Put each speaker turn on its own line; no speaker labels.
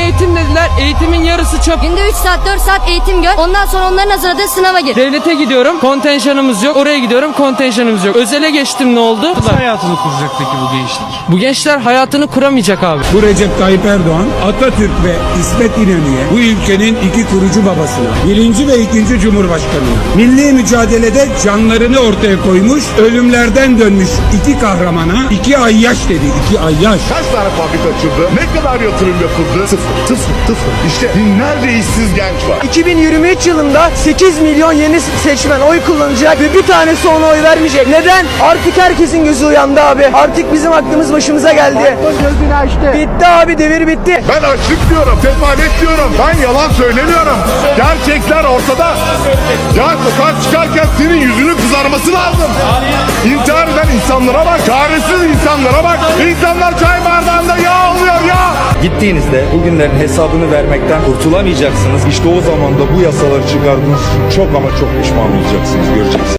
eğitim dediler. Eğitimin yarısı çöp.
Günde 3 saat 4 saat eğitim gör. Ondan sonra onların hazırladığı sınava gir.
Devlete gidiyorum, kontenjanımız yok. Oraya gidiyorum, kontenjanımız yok. Özele geçtim, ne oldu?
Nasıl hayatını kuracak peki bu gençlik?
Bu gençler hayatını kuramayacak abi.
Bu Recep Tayyip Erdoğan, Atatürk ve İsmet İnönü'ye, bu ülkenin iki kurucu babasına, birinci ve ikinci cumhurbaşkanına, milli mücadelede canlarını ortaya koymuş, ölümlerden dönmüş iki kahramana, iki ayyaş dedi, iki ayyaş.
Kaç tane fabrika açıldı? Ne kadar yatırım yapıldı? Sıfır. İşte binlerce işsiz genç var.
2023 yılında 8 milyon yeni seçmen oy kullanacak ve bir tanesi ona oy vermeyecek. Neden? Artık herkesin gözü uyandı abi. Artık bizim aklımız başımıza geldi. Gözünü açtı. Bitti abi, devir bitti.
Ben açlık diyorum, sefalet diyorum. Ben yalan söylemiyorum. Gerçekler ortada. Ya sokağa çıkarken senin yüzünün kızarması lazım. İntihar eden insanlara bak. Çaresiz insanlara bak. İnsanlar çay bardağında yağ oluyor ya.
Gittiğinizde bugünlerin hesabını vermekten kurtulamayacaksınız. İşte o zaman da bu yasaları çıkardığınız için çok ama çok pişman olacaksınız. Göreceksiniz.